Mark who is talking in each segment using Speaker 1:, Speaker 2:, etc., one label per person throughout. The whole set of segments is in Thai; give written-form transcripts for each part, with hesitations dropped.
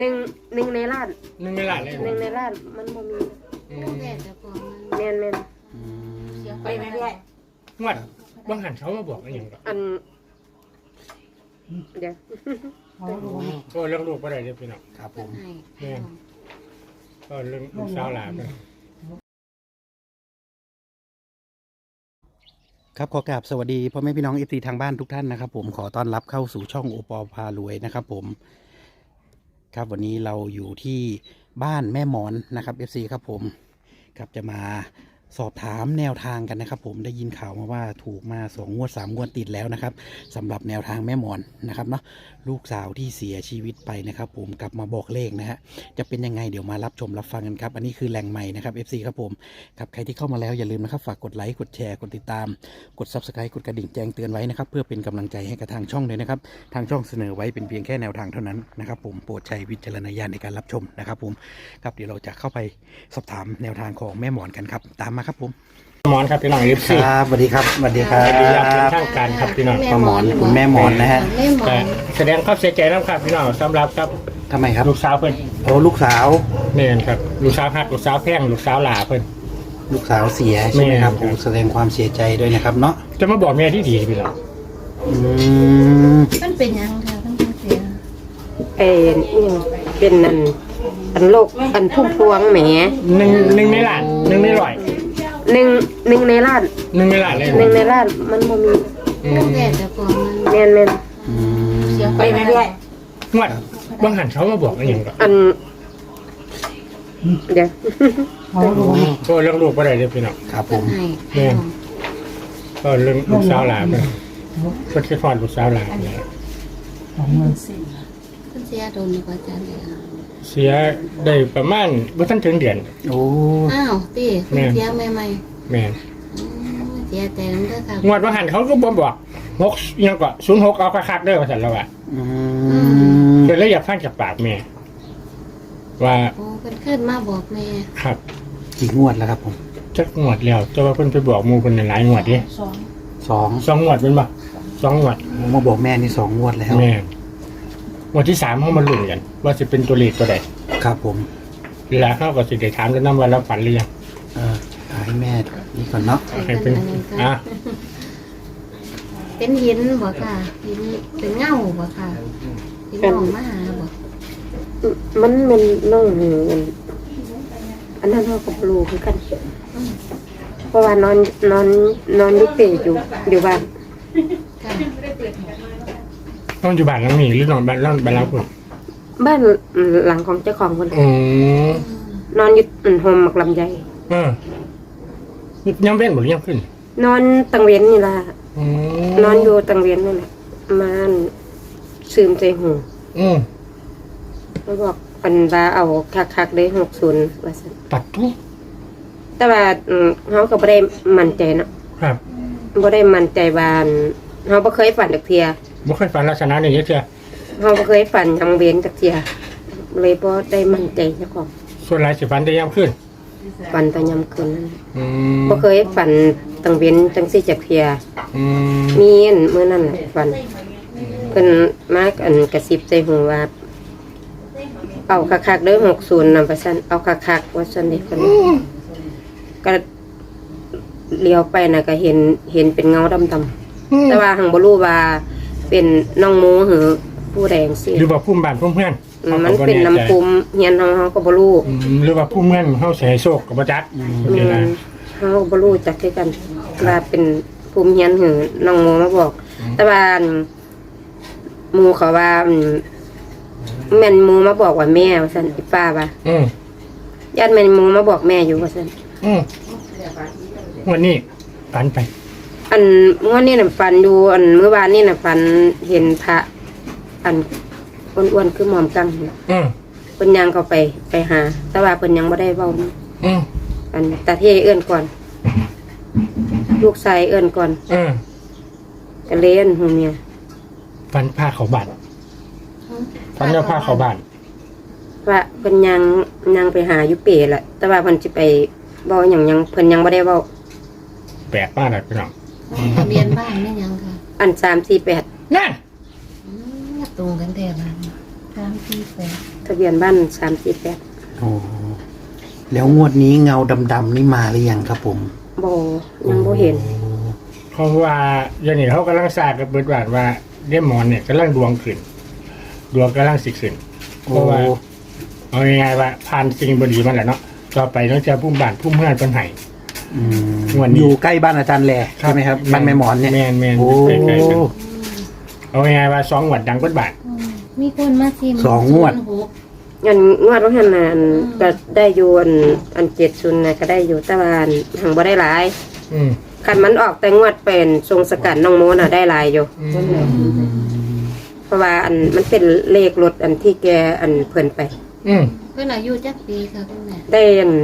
Speaker 1: หนึ่งในล้าน
Speaker 2: หนึ่งในล้านเลย
Speaker 1: หนึ่งในล้านมันบ่มีแม่น
Speaker 3: ไปไหมพี่
Speaker 2: งวดบางหันเขามาบอกอะไรอย่างเงี้ย
Speaker 1: เดี๋ยว
Speaker 2: ก็เรื่องลูกก็ได้เลยพี่น้อง
Speaker 3: ครับผม
Speaker 2: เนี่ยก็เรื่องลูกสาวหลาน
Speaker 3: ครับขอกราบสวัสดีพ่อแม่พี่น้องFCทางบ้านทุกท่านนะครับผมขอต้อนรับเข้าสู่ช่องโอปอพารวยนะครับผมครับวันนี้เราอยู่ที่บ้านแม่หมอนนะครับ FC ครับผมครับจะมาสอบถามแนวทางกันนะครับผมได้ยินข่าวมาว่าถูกมา2 งวด 3 งวดติดแล้วนะครับสำหรับแนวทางแม่หมอนนะครับเนาะลูกสาวที่เสียชีวิตไปนะครับผมกลับมาบอกเลขนะฮะจะเป็นยังไงเดี๋ยวมารับชมรับฟังกันครับอันนี้คือแหล่งใหม่นะครับ FC ครับผมครับใครที่เข้ามาแล้วอย่าลืมนะครับฝากกดไลค์กดแชร์กดติดตามกด Subscribe กดกระดิ่งแจ้งเตือนไว้นะครับเพื่อเป็นกำลังใจให้กับทางช่องเลยนะครับทางช่องเสนอไว้เป็นเพียงแค่แนวทางเท่านั้นนะครับผมโปรดใช้วิจารณญาณในการรับชมนะครับผมครับเดี๋ยวเราจะเข้าไปสอบถามแนวทางของแม่หมอนกันครับตามมาครับผม
Speaker 2: หมอนครับพี่น้องFC
Speaker 3: ครับสวัสดีครับสวัสดีครับ
Speaker 2: สวัสดีครับเป็นทางการครับพี่น้อง
Speaker 3: ป้าหมอนคุณแม่หมอนนะฮะ
Speaker 2: แสดงความเสียใจนะครับพี่น้องสำหรับครับ
Speaker 3: ทำไมครับ
Speaker 2: ลูกสาวเพิ่น
Speaker 3: โอ้ลูกสาว
Speaker 2: เนี่ยครับลูกสาวฮักลูกสาวแพงลูกสาวหลาเพิ่น
Speaker 3: ลูกสาวเสียใช่ไหมครับผมแสดงความเสียใจด้วยนะครับเนาะ
Speaker 2: จะมาบอกแม่ที่ดีพี่น้อง
Speaker 1: มันเป็นยังค่ะทั้งเสียเป็นอันโรคอันพุ่มพวงแหม
Speaker 2: หนึ่งในล้านหนึ่งในร้อย
Speaker 1: หนึ่งในล้าน
Speaker 2: หนึ่งในล้านเลย
Speaker 1: หนึ่งในล้านมันบ่มีแม่น
Speaker 3: ไปไหมพี่
Speaker 2: งวดบางหันเขามาบอกอะไรอย่างเงี้ย
Speaker 1: เดี๋ยว
Speaker 2: ก็เรื่องลูกก็ได้เลยพี่น้อง
Speaker 3: ครับผม
Speaker 2: เนี่ยก็เรื่องลูกสาวหลานเพิ่นคิดฮอดลูกสาวหลานเนี่ย
Speaker 1: เสียโดนกว่าจันเลย
Speaker 2: เสียได้ประมาณบ่ทันถึงเดือน
Speaker 3: โอ้
Speaker 1: อ้าวติเสียใหม่
Speaker 2: แม่
Speaker 1: เสียแต่นั้นเด้อค่ะ
Speaker 2: งวดบางหันเขาก็บ่บอก6ยังก็06เอาคักๆเด้อว่าซั่นแล้วอ่ะก็เลยอยากฟังจากปากแม่ว่า
Speaker 1: โอ้เพิ่นขึ้นมาบอกแม่
Speaker 2: ครับ
Speaker 3: กี่งวดแล้วครับผม
Speaker 2: จักงวดแล้วแต่ว่าเพิ่นไปบอกหมู่เพิ่นหลายงวดดิ2งวดเป็นบ่2งวด
Speaker 3: มาบอกแม่นี่2 งวดแล้ว
Speaker 2: แม่งวดที่3เฮามาลุ้นกันว่าสิเป็นตัวเลขตัวใด
Speaker 3: ครับผม
Speaker 2: แล้วเขาก็สิได้ถามกันนำว่าเราฝันหรือยัง
Speaker 3: ให้แม่นี่ก่อนเนาะ
Speaker 2: ให้เป็น
Speaker 1: เป็นหินบ่ค่ะหินเป็นเงาบ่ค่ะหินมองมาหาบ่มันน้องมันอันนั้นเขากับลูกคือกันเพราะว่านอนยุติอยู่บ้าน
Speaker 2: นอนอยู่บ้านหลังนี้หรือนอนบ้านหลังคุณ
Speaker 1: บ้านหลังของเจ้าของคนนอนอยู่โฮมหมักลำไย
Speaker 2: ยังเว้นหรือยังขึ้น
Speaker 1: นอนตังเวียนนี่ล่ะนอนอยู่ตังเวียนนั่นแหละมาซึมใจหูแล้วบอกปันบาเอาคักได้60ว่าซั่น
Speaker 2: ตัดทุก
Speaker 1: แต่ว่าเขาก็บ่ได้มั่นใจเนาะ
Speaker 2: ครับ
Speaker 1: บ่ได้มั่นใจว่าเขาบ่เคยฝันจักเที่ย
Speaker 2: บ่เคยฝันลักษณะนี้จักเที่ย
Speaker 1: เขาบ่เคยฝันยังเว้นจักเที่ยเลยบ่ได้มั่นใจเจ้าของ
Speaker 2: ส่วนหลายสิฝันแต่ยามคืน
Speaker 1: ฝันแต่ยามคืนนั่นบ่เคยฝันตังเว้นจังซี่จักเที่ยมีมื้อนั้นแหละฝันเพิ่นมากระซิบใส่หูว่าเอาคักๆเด้อ60นำไปซั่นเอาคักๆว่าซั่นเด้เพิ่นก็เลี้ยวไปน่ะก็เห็นเป็นเงาดำๆแต่ว่าหังบ่รู้ว่าเป็นน้องหมูหรือผู้แดงสิ
Speaker 2: หรือว่าภูมิบ้านภูมิเพื่อน
Speaker 1: มันเป็นน้ำภูมิเฮียนเฮาก็บ่รู้
Speaker 2: หรือว่าภูมิเพื่อนเฮาสิให้โชคก็บ่จัก
Speaker 1: เฮาบ่รู้จักคือกันว่าเป็นภูมิเฮียนหรือน้องหมูมาบอกแต่ว่าหมู่เขาว่าแม่นหมูมาบอกว่าแม่ว่าซั่นอีป้าว่าญาติแม่นหมูมาบอกแม่อยู่ว่าซั่น
Speaker 2: วันนี้ฝันไป
Speaker 1: งวดนี้น่ะฝันอยู่เมื่อวานนี้น่ะฝันเห็นพระอ้วนๆคือหม่อมกังเพิ่นยังเข้าไปหาแต่ว่าเพิ่นยังบ่ได้เว้าตาเทเอื้อนก่อนลูกชายเอื้อนก่อนก็เล่นหูเมีย
Speaker 2: ฝันพาเขาบ้านฝันว่าพาเขาบ้าน
Speaker 1: ว่าเพิ่นยังไปหาอยู่เป๋แหละแต่ว่าเพิ่นสิไปเว้าหยังเพิ่นยังบ่ได้เว้า
Speaker 2: แปลกมากเลยพี่น้อง
Speaker 1: ทะเบียนบ้านแม่ยังค่ะ348
Speaker 2: นั่น
Speaker 1: ตรงกันแท้บ้าน348 ทะเบียนบ้าน348
Speaker 3: โอ้แล้วงวดนี้เงาดำๆนี่มาหรือยังครับผม
Speaker 1: บ่ยังบ่เห็น
Speaker 2: เพราะว่าอย่างนี้เขากำลังทราบกับเบิดว่าเดมอนเนี่ยกำลังดวงขึ้นดวงกำลังสิขึ้นเพ
Speaker 3: โอ้
Speaker 2: ราะว่าเอาง่ายๆว่าผ่านสิ่งบดีมันแหละเนาะต่อไปต้องเจอพุ่มบ้านพุ่มเมืองต้นไห้
Speaker 3: อืม
Speaker 2: งวดนี้
Speaker 3: อยู่ใกล้บ้านอาจารย์แหล่ใช่ไหมครับบ้านแม่หมอนเนี่ย
Speaker 2: แมน
Speaker 3: โอ้
Speaker 2: ใกล้ๆกันเอาง่ายๆว่า2หวัดดังเบิดบาท
Speaker 4: มีคนมาชิม
Speaker 3: สองงวด
Speaker 4: 06
Speaker 1: อันงวดว่าหั่นน่ะก็ได้อยู่อัน70น่ะก็ได้อยู่แต่ว่าหังบ่ได้หลาย
Speaker 2: อืม
Speaker 1: คันมันออกแต่งวดเป็นทรงสกัดน้องโมน่ะได้หลายอยู่ เพราะว่าอันมันเป็นเลขรถอันที่แกอันเพิ่นไป
Speaker 2: อืม
Speaker 4: เพิ่นอายุจักปีค่ะคุณแม่
Speaker 1: ได้อัน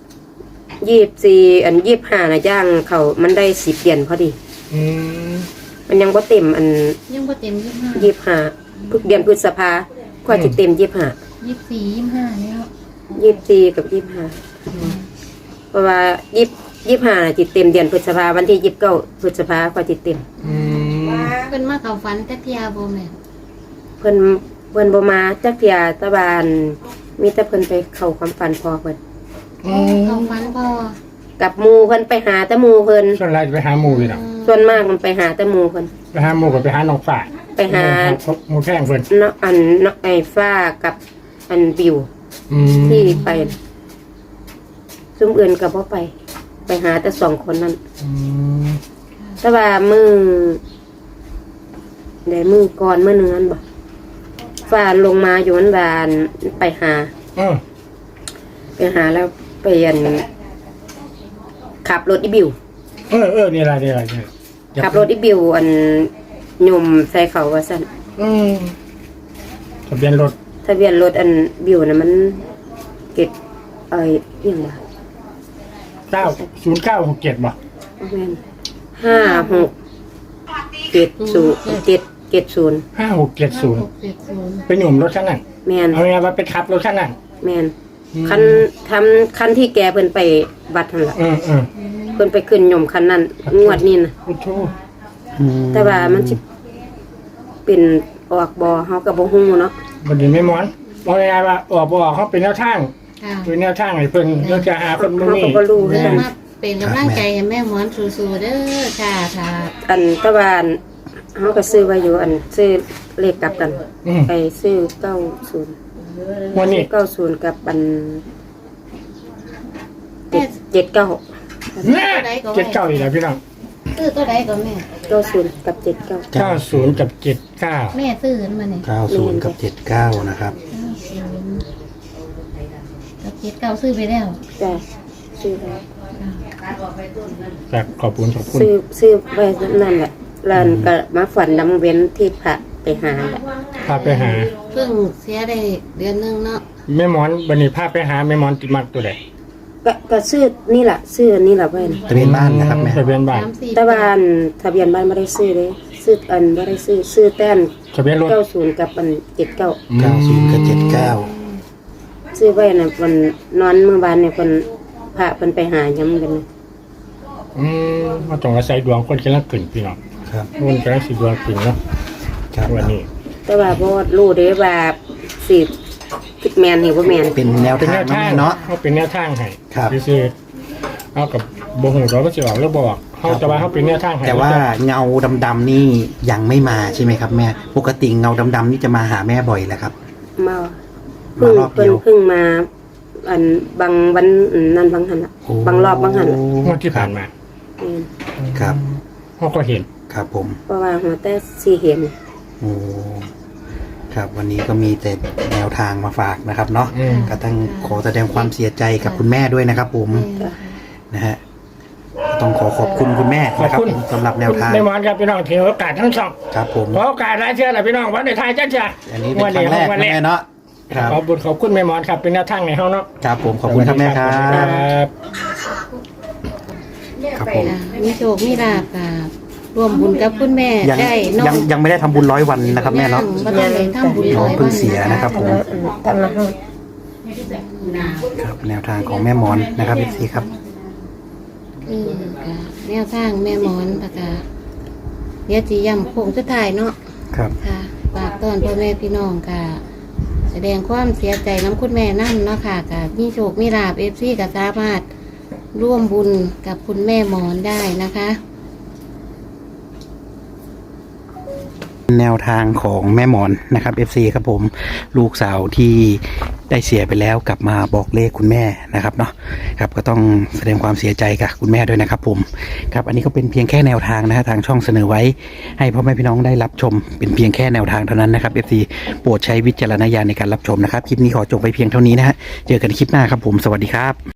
Speaker 1: 24อัน25น่ะย่างเขามันได้10เหรียญพอดี
Speaker 2: อืม
Speaker 1: มันยังบ่เต็มอัน
Speaker 4: ยังบ่เต็ม25
Speaker 1: 25ทุกเดือนพฤษภากว่าจะเต็ม25
Speaker 4: 24 25แล้ว
Speaker 1: 24กับ25เพราะว่า25น่ะจิตเต็มเดือนพฤษภาวันที่29พฤษภากว่าจิตเต็ม
Speaker 2: อืม
Speaker 4: เพิ่นมาเข้าฝันจักเที่ยบ่แม่
Speaker 1: เพิ่นบ่มาจักเที่ยแตะบานมีแต่เพิ่นไปเข้าความฝันพอเพิ่น
Speaker 4: เข้าฝันพ่อ
Speaker 1: กับหมู่เพิ่นไปหาแต่หมู่เพิ่น
Speaker 2: ส่วนไรจะไปหาหมูอยู่เนาะ
Speaker 1: ส่วนมากมันไปหาแต่หมู่เพิ่น
Speaker 2: ไปหาหมูกับไปหาน้องฝ่าย
Speaker 1: ไปหา
Speaker 2: หมูแข้งเพิ่น
Speaker 1: เนาะอันเนาะไอ้ฟ้ากับอันบิว
Speaker 2: อืม
Speaker 1: ที่ไปซุ่มอื่นก็บ่ไป ไปหาแต่2คนนั้น
Speaker 2: อืม
Speaker 1: แต่ว่ามือได้มือก่อนมื้อหนึงนั้นบ่ฟ้าลงมาอยู่มันบานไปหา
Speaker 2: เออ
Speaker 1: แล้วไปอันขับรถอีบิว
Speaker 2: นี่อะไร
Speaker 1: ขับรถอีบิวอันยมใส่เขาว่าซั่น
Speaker 2: อืมทะเบียนรถ
Speaker 1: ทะเบียนรถอันบิวน่ะมันเก็บอิหยังวะ
Speaker 2: 90967บ่
Speaker 1: แม่น5670
Speaker 2: 5670เป็นหนุ่มรถคันนั้น
Speaker 1: แม่น
Speaker 2: เอาไงว่าไปขับรถคันนั้น
Speaker 1: แม่น
Speaker 2: อืม
Speaker 1: คันที่แกเพิ่นไปบัดนั่นล่ะ
Speaker 2: เออ
Speaker 1: เพิ่นไปขึ้นยมคันนั้นงวดนี้น่ะ
Speaker 2: โอ้โห
Speaker 1: แต่ว่ามันสิเป็นออกบ่เฮาก็บ่ฮู้เนาะ
Speaker 2: บัดนี้ไม่ม้อนเอาไงว่าออกบ่ออกเขาเป็นแนวทาง
Speaker 4: ค่ะ
Speaker 2: เป็นแนวทางให้เพิ่นเรื่องจะหาคนบ่
Speaker 1: เฮา
Speaker 2: มี
Speaker 1: ก็บ่รู้คือ
Speaker 4: เริ่
Speaker 1: กั
Speaker 4: ม
Speaker 1: น
Speaker 4: มาเป็นกำลังใจให้แม่หมอนสู้ๆเด้อค่ะค่ะ
Speaker 1: อันแต่ว่าอันเฮาก็ซื้อไว้อยู่อันซื้อเลขกลับกัน
Speaker 2: อืม
Speaker 1: ไปซื้อ90
Speaker 2: วันนี้
Speaker 1: 90กับอัน
Speaker 4: แม่
Speaker 1: 79
Speaker 2: แม่79อีกแล้วพี่น้อง
Speaker 4: ซื้อตัวใดก็แม่
Speaker 1: 90กับ79
Speaker 2: 90กับ79
Speaker 4: แม่ซื้อขึ้นมาเนี่ย
Speaker 3: 90 กับ 79 นะครับ
Speaker 4: กับ79ซื้อไปแล้ว
Speaker 1: จ้ะซื้อไว้
Speaker 2: ครับขอบคุณ
Speaker 1: ซื้อไว้นั่นแหละแล้วก็มาฝันน้ำเว้นที่พระไปหาแหละ
Speaker 2: พาไปหา
Speaker 4: เพิ่งเสียได้เดือนนึงเนาะ
Speaker 2: แม่หมอนบัดนี้พาไปหาแม่หมอนติดมักตัวใด
Speaker 1: ก็ซื้อนี่แหละซื้อนี่แหละไว้นะ
Speaker 3: ทะเบียนบ้านนะครับแม่
Speaker 2: ทะเบียนบ้าน
Speaker 4: 3-4
Speaker 1: แต่ว่าอันทะเบียนบ้านไม่ได้ซื้อเลยซื้ออันไม่ได้ซื้อแต้น
Speaker 2: ทะเบียนรถ
Speaker 1: 90กับอัน79
Speaker 3: 90 กับ
Speaker 1: ซื้อไว้น่ะวันนอนเมื่อวานเนี่ยคนพระเพิ่นไปหาย้ำกันนะ
Speaker 2: มาต้องอาศัยดวงคนกำลังขึ้นพี่น้อง
Speaker 3: 79 ครับ
Speaker 2: คนกำลังสิดวงขึ้นเนาะ
Speaker 3: ครับ
Speaker 2: วันนี้
Speaker 1: แต่ว่าบ่รู้เด้ว่าสิคิดแม่นหรือบ่แม่น
Speaker 3: เป็นแนว
Speaker 2: เป็น
Speaker 3: ทา
Speaker 2: แน
Speaker 3: ง
Speaker 2: วทาง
Speaker 3: เนาะ
Speaker 2: เขาเป็นแนวทางให้
Speaker 3: ครับ
Speaker 2: ซื่อๆเอากับบ่ฮู้ว่ามันสิออกหรือบ่ออกเขาแต่ว่าเขาเป็นแนวทางให้
Speaker 3: แต่ว่าเงาดำๆนี่ยังไม่มาใช่ไหมครับแม่ ปกติเงาดำๆนี่จะมาหาแม่บ่อยแหละครับ
Speaker 1: มาเพิ่ง
Speaker 3: มารอบเดียว
Speaker 1: เพิ่งมา อันบางวันนั่นบางหันล่ะ
Speaker 3: โอ้
Speaker 1: บางรอบบางหันล่ะ
Speaker 2: งวดที่ผ่านมา
Speaker 1: แม่น
Speaker 3: ครับ
Speaker 2: เขาก็เห็น
Speaker 3: ครับผม
Speaker 1: เพราะว่าหัวแต่สิเห็น
Speaker 3: โอ้ครับวันนี้ก็มีแต่แนวทางมาฝากนะครับเนาะ
Speaker 2: อืม
Speaker 3: ก็ต้องขอแสดงความเสียใจกับคุณแม่ด้วยนะครับ ผม
Speaker 1: จ้ะ
Speaker 3: นะฮะก็ต้องขอบคุณคุณแม่นะครับผมสำหรับแนวทาง
Speaker 2: แม่หมอนครับพี่น้องถือโอกาสทั้งสอง
Speaker 3: ครับผม
Speaker 2: ขอโอกาสหลายเชื่อแหละพี่น้องวันในไทายจ้าจ้า
Speaker 3: อันนี้เป็นครั้งแรกนะแม่เนาะครับ
Speaker 2: ขอบคุณแม่หมอนครับเป็นแนวทางในเฮาเนาะ
Speaker 3: ครับผมขอบคุณครับแม่ครับ
Speaker 2: บ
Speaker 3: ครับผม
Speaker 4: มีโชคมีลาภค่ะร่วมบุญกับคุณแม่
Speaker 3: ยัง
Speaker 4: ได้เน้อ
Speaker 3: ยังไม่ได้ทำบุญ100 วันนะครับแม่เนาะ
Speaker 4: บ่ได้เลยทำบุญ
Speaker 3: น้องเพิ่งเสียนะครับผม
Speaker 1: ทำละห้า
Speaker 3: ครับแนวทางของแม่หมอนนะครับพี่ซีครับ
Speaker 4: ค่ะแนวทางแม่หมอนปะกาเดี๋ยวสิย้ำโค้งสุดท้ายเนาะ
Speaker 3: ครับ
Speaker 4: ค่ะฝากต้อนพ่อแม่พี่น้องค่ะแสดงความเสียใจน้ำคุณแม่นั่นเนาะค่ะกับมีโชคมีลาภFCก็สามารถร่วมบุญกับคุณแม่หมอนได้นะคะ
Speaker 3: แนวทางของแม่หมอนนะครับ FC ครับผมลูกสาวที่ได้เสียไปแล้วกลับมาบอกเลขคุณแม่นะครับเนาะครับก็ต้องแสดงความเสียใจกับคุณแม่ด้วยนะครับผมครับอันนี้ก็เป็นเพียงแค่แนวทางนะฮะทางช่องเสนอไว้ให้พ่อแม่พี่น้องได้รับชมเป็นเพียงแค่แนวทางเท่านั้นนะครับ FC โปรดใช้วิจารณญาณในการรับชมนะครับคลิปนี้ขอจบไปเพียงเท่านี้นะฮะเจอกันคลิปหน้าครับผมสวัสดีครับ